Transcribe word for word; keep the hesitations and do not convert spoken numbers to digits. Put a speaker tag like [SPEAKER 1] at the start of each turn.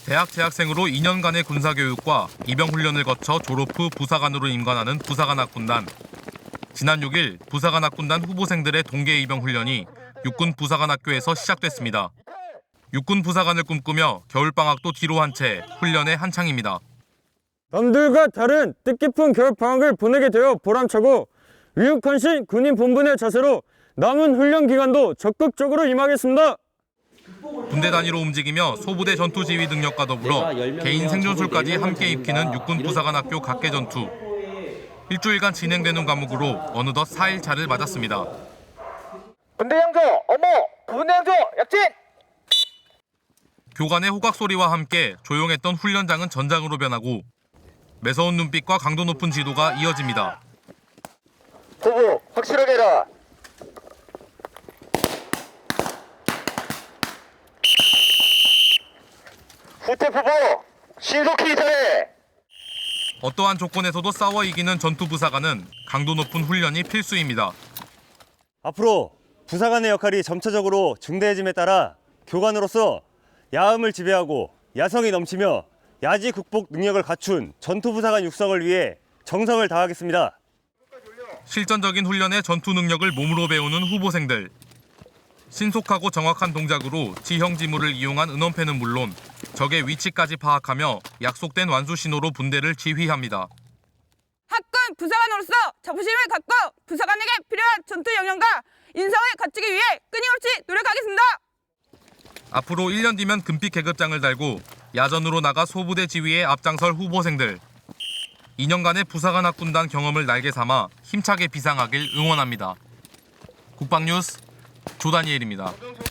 [SPEAKER 1] 대학 재학생으로 이 년간의 군사교육과 입영훈련을 거쳐 졸업 후 부사관으로 임관하는 부사관학군단. 지난 육 일 부사관학군단 후보생들의 동계 입영훈련이 육군 부사관학교에서 시작됐습니다. 육군 부사관을 꿈꾸며 겨울방학도 뒤로 한 채 훈련에 한창입니다.
[SPEAKER 2] 남들과 다른 뜻깊은 겨울방학을 보내게 되어 보람차고 위육헌신 군인 본분의 자세로 남은 훈련 기간도 적극적으로 임하겠습니다.
[SPEAKER 1] 군대 단위로 움직이며 소부대 전투 지휘 능력과 더불어 개인 생존술까지 함께 익히는 육군 부사관학교 각개전투. 일주일간 진행되는 과목으로 어느덧 사 일차를 맞았습니다.
[SPEAKER 3] 군대 양조 어머 군대 양조 약진.
[SPEAKER 1] 교관의 호각 소리와 함께 조용했던 훈련장은 전장으로 변하고 매서운 눈빛과 강도 높은 지도가 이어집니다.
[SPEAKER 3] 후보 확실하게 해라. 후퇴 후보 신속히 이사해.
[SPEAKER 1] 어떠한 조건에서도 싸워 이기는 전투 부사관은 강도 높은 훈련이 필수입니다.
[SPEAKER 4] 앞으로 부사관의 역할이 점차적으로 중대해짐에 따라 교관으로서 야음을 지배하고 야성이 넘치며 야지 극복 능력을 갖춘 전투 부사관 육성을 위해 정성을 다하겠습니다.
[SPEAKER 1] 실전적인 훈련의 전투 능력을 몸으로 배우는 후보생들. 신속하고 정확한 동작으로 지형 지물을 이용한 은원패는 물론 적의 위치까지 파악하며 약속된 완수 신호로 분대를 지휘합니다.
[SPEAKER 5] 학군 부사관으로서 자부심을 갖고 부사관에게 필요한 전투 역량과 인성을 갖추기 위해 끊임없이 노력하겠습니다.
[SPEAKER 1] 앞으로 일 년 뒤면 금빛 계급장을 달고 야전으로 나가 소부대 지휘에 앞장설 후보생들. 이 년간의 부사관 학군단 경험을 날개 삼아 힘차게 비상하길 응원합니다. 국방뉴스 조다니엘입니다.